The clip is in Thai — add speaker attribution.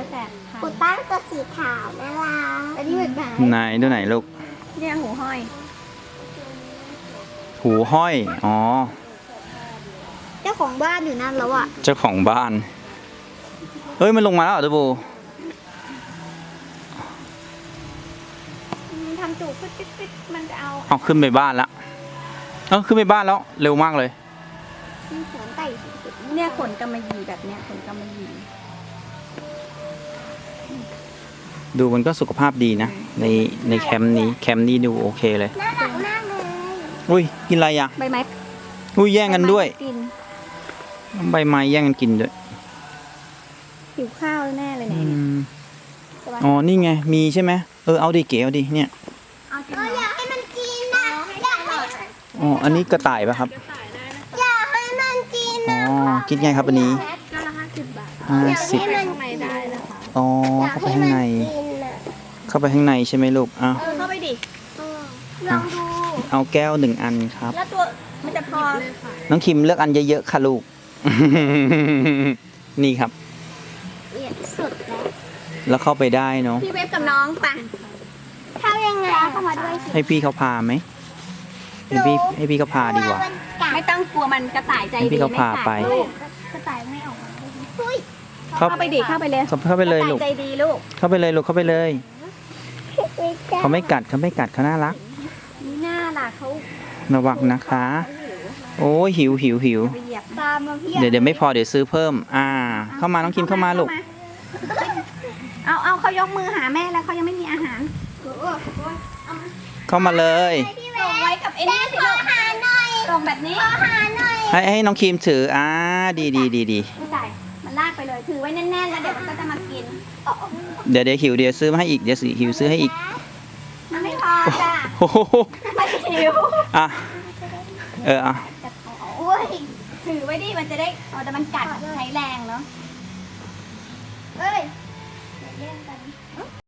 Speaker 1: 8,000
Speaker 2: กูตั้งตัวสีขาวน่ารักอันนี้เหมือนกัน
Speaker 3: ไหนดูไหนลูก
Speaker 1: เนี่ยหูห้อย
Speaker 3: หูห้อย อ๋อ
Speaker 2: เจ้าของบ้านอยู่นั่นแล้วอ่ะ
Speaker 3: เจ้าของบ้าน เฮ้ย มันลงมาแล้วเหรอตูบู
Speaker 1: ทำจูบฟิตมันจะเอา
Speaker 3: เอาขึ้นไปบ้านแล้วขึ้นไปบ้านแล้ว เร็วมากเลย
Speaker 2: มีขนไต่สุด
Speaker 1: เนี่ยขนกำมะหยี่แบบเนี้ยขนกำมะหยี่
Speaker 3: ดูมันก็สุขภาพดีนะ ในแคมป์นี้ดูโอเคเลย
Speaker 2: น่ารักมากเลย
Speaker 3: อุ้ย กินอะไรอ่ะ
Speaker 1: ใบไม้
Speaker 3: อุ้ย แย่งกันด้วย
Speaker 1: กิน
Speaker 3: ใบไม้แย่งกันกินด้วย
Speaker 1: หิวข้าวแน่เลย
Speaker 3: อื
Speaker 1: เนี่ย
Speaker 3: มอ๋อ นี่ไง มีใช่ไหมเอาดิเก๋เอาดิ เนี่ย
Speaker 1: เอาจริง
Speaker 2: อยากให้มันกินนะอยากให้
Speaker 3: อ๋อ อันนี้กระต่ายป่ะครับ
Speaker 2: อยากให้มันกิน
Speaker 3: อ๋อ คิดไงครับอันนี้
Speaker 1: ก็ละ50 บาท
Speaker 3: 50
Speaker 2: ให้มัน
Speaker 1: ข้างในได้นะคะ
Speaker 3: อ๋อ
Speaker 2: อยาก
Speaker 3: เข้าไป
Speaker 2: ให้
Speaker 3: ข้าง
Speaker 2: มัน
Speaker 3: ใน
Speaker 2: กินอ่ะ
Speaker 3: เข้าไปข้างในใช่ไหมลูกอ้าว
Speaker 1: เข้าไปดิ
Speaker 2: ลองดู
Speaker 3: เอาแก้ว1 อันครับ
Speaker 1: แล้วตัวมันจะพอ
Speaker 3: น้องคิมเลือกอันเยอะๆค่ะลูก นี่ครับ
Speaker 2: เอียดสุดแล้ว
Speaker 3: แล้วเข้าไปได้เนาะ
Speaker 1: พี่เวฟกับน้องปะ
Speaker 2: เข้ายังไงเข้ามาด้วยสิ
Speaker 3: ให้พี่เขาพาไหมให้พี่เขาพาดีกว่า
Speaker 1: ไม่ต้องกลัวมันกระต่ายใจ
Speaker 3: ให้พี่
Speaker 1: ดี
Speaker 3: เขาพาไป
Speaker 1: ลูก
Speaker 2: กระต่ายไม่ออกมาอุ้ย
Speaker 3: เข้า
Speaker 1: เข้าไปดิเข้าไปเลย
Speaker 3: เข้าไปเลย
Speaker 1: กระ
Speaker 3: ลูก
Speaker 1: ต่ายใจดีลูก
Speaker 3: เข้าไปเลยลูกเข้าไปเลย เขาไม่กัดเขาน่ารัก
Speaker 1: นี่น่าล่ะเขา
Speaker 3: ระวังนะคะ โอ้ยหิว
Speaker 1: ไปเหยียบ
Speaker 2: ตามมาพี่
Speaker 3: เดี๋ยวไม่พอเดี๋ยวซื้อเพิ่ม เข้ามาน้องคิมเข้ามาลูก
Speaker 1: เอาเขายกมือหาแม่แล้วเขายังไม่มีอาหาร
Speaker 3: เข้ามาเลย
Speaker 1: ส่งไว้กับไอ้นี่สิลูก
Speaker 2: หาหน่อย
Speaker 1: ส่งแบบนี้
Speaker 2: หาหน่อย
Speaker 3: ให้น้องคิมถือดี
Speaker 1: ไม่ใส่มันลากไปเลยถือไว้แน่นๆแล้วเดี๋ยวมันก็จะมากิน
Speaker 3: เดี๋ยวหิวเดี๋ยวซื้อมาให้อีกเดี๋ยวหิวซื้อให้อีก
Speaker 1: มันไม่พอจ้ะ
Speaker 3: โอ้โห
Speaker 1: มันหิว
Speaker 3: อ่ะอ่ะ
Speaker 2: โอ้ย
Speaker 1: ถือไว้ดิมันจะได้แต่มันกัดใช้แรงเนาะ
Speaker 2: เอ้ย